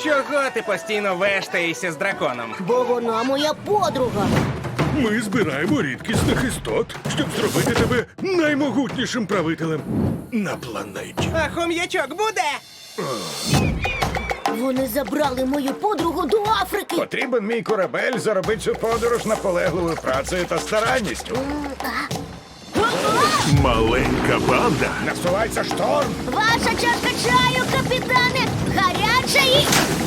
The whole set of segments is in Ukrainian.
Чого ти постійно вештаєшся з драконом? Бо вона моя подруга. Ми збираємо рідкісних істот, щоб зробити тебе наймогутнішим правителем на планеті. А хом'ячок буде? Вони забрали мою подругу до Африки. Потрібен мій корабель заробити цю подорож наполегливою працею та старанністю. Маленька банда Насувається шторм. Ваша чашка чаю, капітане, гаряча і...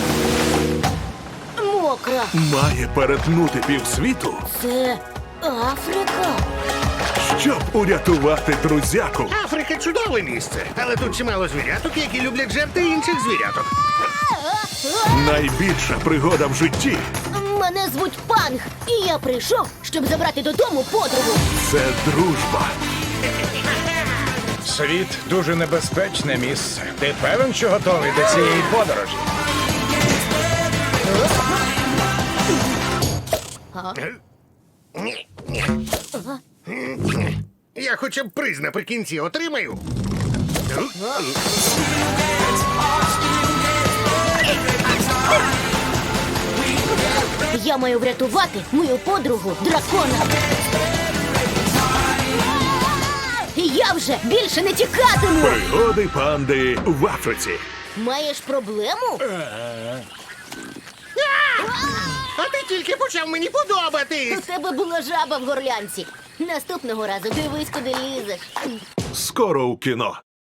мокра. має перетнути півсвіту, Це Африка. щоб урятувати друзяку. Африка чудове місце, але тут чимало звіряток, які люблять жерти інших звіряток. Найбільша пригода в житті Мене звуть Панг, і я прийшов, щоб забрати додому подругу. – це дружба. Світ дуже небезпечне місце. Ти певен, що готовий до цієї подорожі? Ні, ні. Я хоча б приз наприкінці отримаю. Я маю врятувати мою подругу дракона. Я вже більше не тікатиму. Пригоди панди в Африці. Маєш проблему? А ти тільки почав мені подобатись. У тебе була жаба в горлянці. Наступного разу дивись, куди лізеш. Скоро у кіно.